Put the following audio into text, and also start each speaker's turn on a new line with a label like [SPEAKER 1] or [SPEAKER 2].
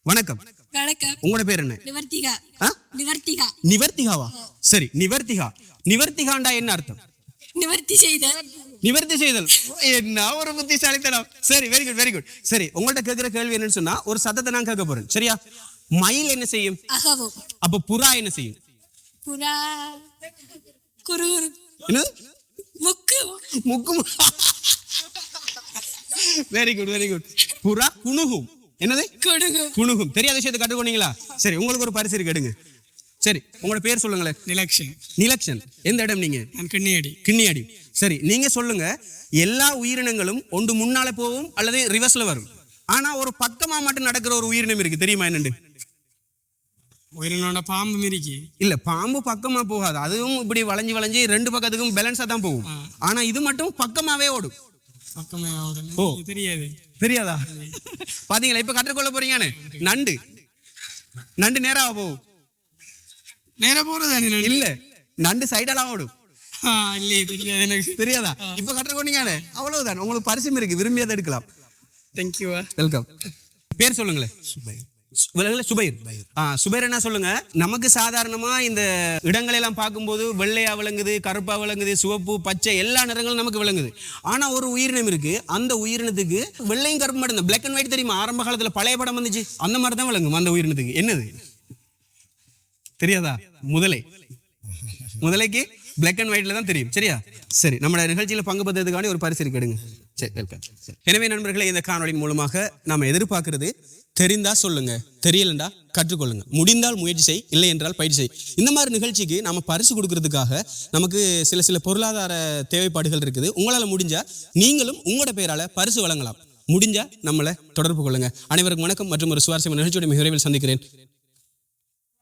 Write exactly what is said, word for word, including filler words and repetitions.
[SPEAKER 1] வணக்கம்.
[SPEAKER 2] வணக்கம்.
[SPEAKER 1] உங்களோட பேர் என்ன?
[SPEAKER 2] நிவர்த்திகா.
[SPEAKER 1] ஆ?
[SPEAKER 2] நிவர்த்திகா.
[SPEAKER 1] நிவர்த்திகாவா? சரி, நிவர்த்திகா. நிவர்த்திகாண்டா என்ன அர்த்தம்?
[SPEAKER 2] நிவர்த்தி செய்த.
[SPEAKER 1] நிவர்த்தி செய்தல். என்ன ஒரு புத்திசாலித்தனம். சரி, வெரி குட் வெரி குட். சரி, உங்கள்ட்ட கேட்கிற கேள்வி என்னன்னு சொன்னா ஒரு சத்தத்தை நான் கேட்க போறேன். சரியா? மயில் என்ன செய்யும்?
[SPEAKER 2] அகவும்.
[SPEAKER 1] அப்ப புறா என்ன செய்யும்?
[SPEAKER 2] புறா குருகுரு.
[SPEAKER 1] என்ன?
[SPEAKER 2] முக்கு.
[SPEAKER 1] முக்கு. Very good very good. புறா குணுகும். என்னது?
[SPEAKER 2] குணுகும்.
[SPEAKER 1] குணுகும். தெரியாத விஷயத்தை கற்றுக்கொண்டீங்களா? சரி, உங்களுக்கு ஒரு பரிசு இருக்கு, எடுங்க. சரி, உங்களோட பேர் சொல்லுங்களேன்.
[SPEAKER 3] நிலக்ஷன்.
[SPEAKER 1] நிலக்ஷன். எந்த இடம் நீங்க?
[SPEAKER 3] நான் கிண்ணியடி.
[SPEAKER 1] கிண்ணியாடி. சரி, நீங்க சொல்லுங்க. எல்லா உயிரினங்களும் ஒன்று முன்னால போகும் அல்லது ரிவர்ஸ்ல வரும். ஆனா ஒரு பக்கமா மட்டும் நடக்கிற ஒரு உயிரினம் இருக்கு, தெரியுமா என்னண்டு?
[SPEAKER 3] உயிரினோட பாம்பு மிரிக்கி.
[SPEAKER 1] இல்ல, பாம்பு பக்கமா போகாது. அதுவும் இப்படி வளைஞ்சு வளைஞ்சு ரெண்டு பக்கத்துக்கும் பேலன்ஸா தான் போகும். ஆனா இது மட்டும் பக்கமாவே ஓடும்.
[SPEAKER 3] பக்கமே
[SPEAKER 1] ஓ,
[SPEAKER 3] தெரியாது.
[SPEAKER 1] தெரியாதா? பாத்தீங்களா, இப்ப கற்றுக்கொள்ள போறீங்கன்னு. நண்டு. நண்டு நேரா போகும்.
[SPEAKER 3] நேரா போறது
[SPEAKER 1] இல்ல, நண்டு சைடெல்லாம் ஓடும்.
[SPEAKER 3] இல்லையே, தெரியாது எனக்கு.
[SPEAKER 1] தெரியாதா? இப்ப கற்றுக்கொண்டீங்கன்னு. அவ்வளவுதான். உங்களுக்கு பரிசும் இருக்கு, விரும்பியதை எடுக்கலாம்.
[SPEAKER 3] தேங்க்யூ.
[SPEAKER 1] வெல்கம். பேர் சொல்லுங்களேன். சுபைர். ஆ, சுபைர் என்ன சொல்லுங்க. நமக்கு சாதாரணமா இந்த இடங்களை எல்லாம் பார்க்கும்போது வெள்ளையா விளங்குது, கருப்பா விளங்குது, சிவப்பு, பச்சை எல்லா நிறங்களும் நமக்கு விளங்குது. ஆனா ஒரு உயிரினம் இருக்கு, அந்த உயிரினத்துக்கு வெள்ளையும் கருப்பு மட்டும் தான். பிளாக் அண்ட் ஒயிட் தெரியுமா? ஆரம்ப காலத்துல பழைய படம் வந்துச்சு, அந்த மாதிரி தான் விளங்கும் அந்த உயிரினத்துக்கு. என்னது தெரியாதா? முதலை. முதலைக்கு பிளாக் அண்ட் ஒயிட்ல தான் தெரியும். சரியா? சரி, நம்ம நிகழ்ச்சியில பங்கு பெற்றதுக்காண்டி ஒரு பரிசு இருக்கு, எடுங்க. சரி, வெல்கம். எனவே நண்பர்களே, இந்த காணொலியின் மூலமாக நாம எதிர்பார்க்கிறது, தெரிந்தா சொல்லுங்க, தெரியலண்டா கற்றுக்கொள்ளுங்க, முடிந்தால் முயற்சி செய், இல்லை என்றால் பயிற்சி செய். இந்த மாதிரி நிகழ்ச்சிக்கு நம்ம பரிசு கொடுக்கறதுக்காக நமக்கு சில சில பொருளாதார தேவைப்பாடுகள் இருக்குது. உங்களால் முடிஞ்சா நீங்களும் உங்களோட பெயரால பரிசு வழங்கலாம். முடிஞ்சா நம்மளை தொடர்பு கொள்ளுங்க. அனைவருக்கும் வணக்கம் மற்றும் ஒரு சுவாரஸ்யமான நிகழ்ச்சியோட மிக விரைவில் சந்திக்கிறேன்.